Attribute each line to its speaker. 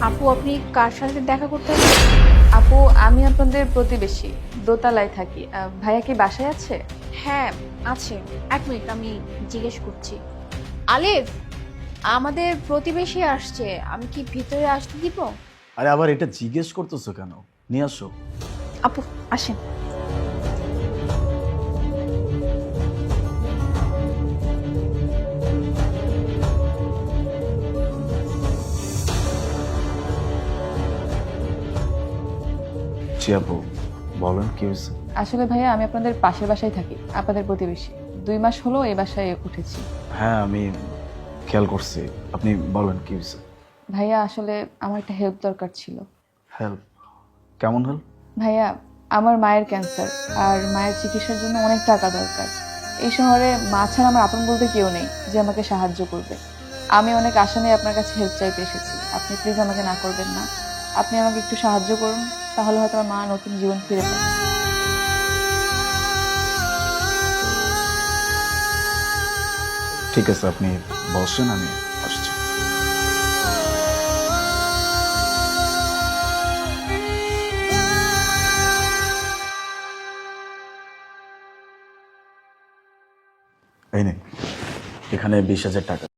Speaker 1: আপু, আপনি কার সাথে দেখা করতে হবে?
Speaker 2: আপু, আমি আপনাদের প্রতিবেশী, দোতলায় থাকি। ভাইয়া কি বাসায় আছে?
Speaker 1: হ্যাঁ, আছে। এক মিনিট, আমি জিজ্ঞেস করছি। আলিফ, আমাদের প্রতিবেশী আসছে, আমি কি ভিতরে আসতে দিব?
Speaker 3: আরে আবার এটা জিজ্ঞেস করতেছো কেন? নিয়ে আসো।
Speaker 1: আপু, আসেন।
Speaker 3: জি আপু, বলেন কি হয়েছে?
Speaker 2: আসলে ভাইয়া, আমি আপনাদের পাশের বাসায় থাকি, আপনাদের প্রতিবেশী। 2 মাস হলো এই বাসায় উঠেছি।
Speaker 3: হ্যাঁ, আমি খেয়াল করছি। আপনি বলেন কি হয়েছে?
Speaker 2: ভাইয়া, আসলে আমার একটা হেল্প দরকার ছিল।
Speaker 3: হেল্প? কেমন হেল্প?
Speaker 2: ভাইয়া, আমার মায়ের ক্যান্সার, আর মায়ের চিকিৎসার জন্য অনেক টাকা দরকার। এই শহরে মা ছাড়া আমার আপন বলতে কেউ নেই যে আমাকে সাহায্য করবে। আমি অনেক আশা নিয়ে আপনার কাছে হেল্প চাইতে এসেছি। আপনি প্লিজ আমাকে না করবেন না। আপনি আমাকে একটু সাহায্য করুন, তাহলে হয়তো আমার মা নতুন জীবন ফিরে পাবে।
Speaker 3: ঠিক আছে, আপনি বসেন, আমি আসছি। এই নিন, এখানে 20,000 টাকা।